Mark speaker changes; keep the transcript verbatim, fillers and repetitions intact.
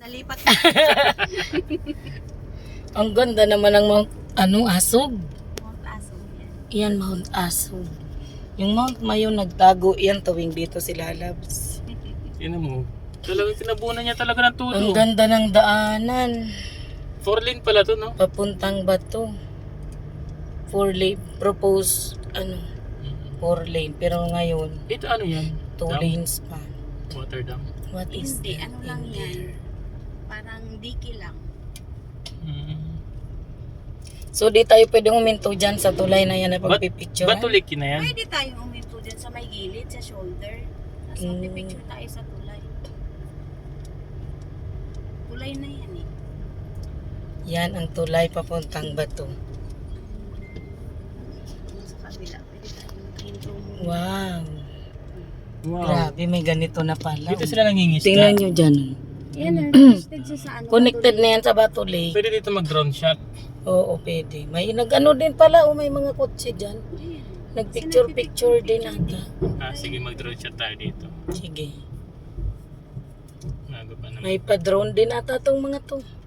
Speaker 1: Nalipat.
Speaker 2: Ang ganda naman ng Mount, ano, Asog.
Speaker 1: Mount Asong yan.
Speaker 2: Yan, Mount Asog. Yung Mount Mayon nagtago yan tuwing dito sila Labs.
Speaker 3: Tingnan mo. Talagang tinabunan niya talaga ng todo.
Speaker 2: Ang ganda ng daanan.
Speaker 3: Four lane pala to, no?
Speaker 2: Papuntang Bato. Four lane, propose, ano, four lane. Pero ngayon,
Speaker 3: Ito ano yan?
Speaker 2: two
Speaker 3: Dam?
Speaker 2: lanes pa.
Speaker 3: Water dam.
Speaker 2: What is
Speaker 1: Hindi,
Speaker 2: that
Speaker 1: ano lang
Speaker 2: in
Speaker 1: yan.
Speaker 2: there?
Speaker 1: Parang diki lang.
Speaker 3: Mm.
Speaker 2: So di tayo pwedeng uminto dyan sa tulay na yan na
Speaker 3: Bat-
Speaker 2: pagpipicture.
Speaker 3: Batulik na yan.
Speaker 1: Pwede tayong uminto dyan sa may gilid, sa shoulder. Tapos
Speaker 2: Mm.
Speaker 1: magpipicture tayo sa tulay. Tulay na yan eh.
Speaker 2: Yan ang tulay papuntang Bato.
Speaker 1: Sa kabila, pwede tayong intro mo.
Speaker 2: Wow.
Speaker 3: Wow.
Speaker 2: Grabe, may ganito na pala.
Speaker 3: Dito sila nangingisda.
Speaker 2: Tingnan nyo dyan.
Speaker 1: Yan, connected siya sa ano.
Speaker 2: Connected
Speaker 1: tulay.
Speaker 2: na yan sa Bato Lake.
Speaker 3: Pwede dito mag-drone shot.
Speaker 2: Oo, pwede. May nag-ano din pala, o may mga kotse dyan.
Speaker 1: Ayan.
Speaker 2: Nagpicture-picture din ata.
Speaker 3: Ah, sige, mag-drone shot tayo dito.
Speaker 2: Sige.
Speaker 3: Nago pa naman.
Speaker 2: May pa-drone din ata tong mga to.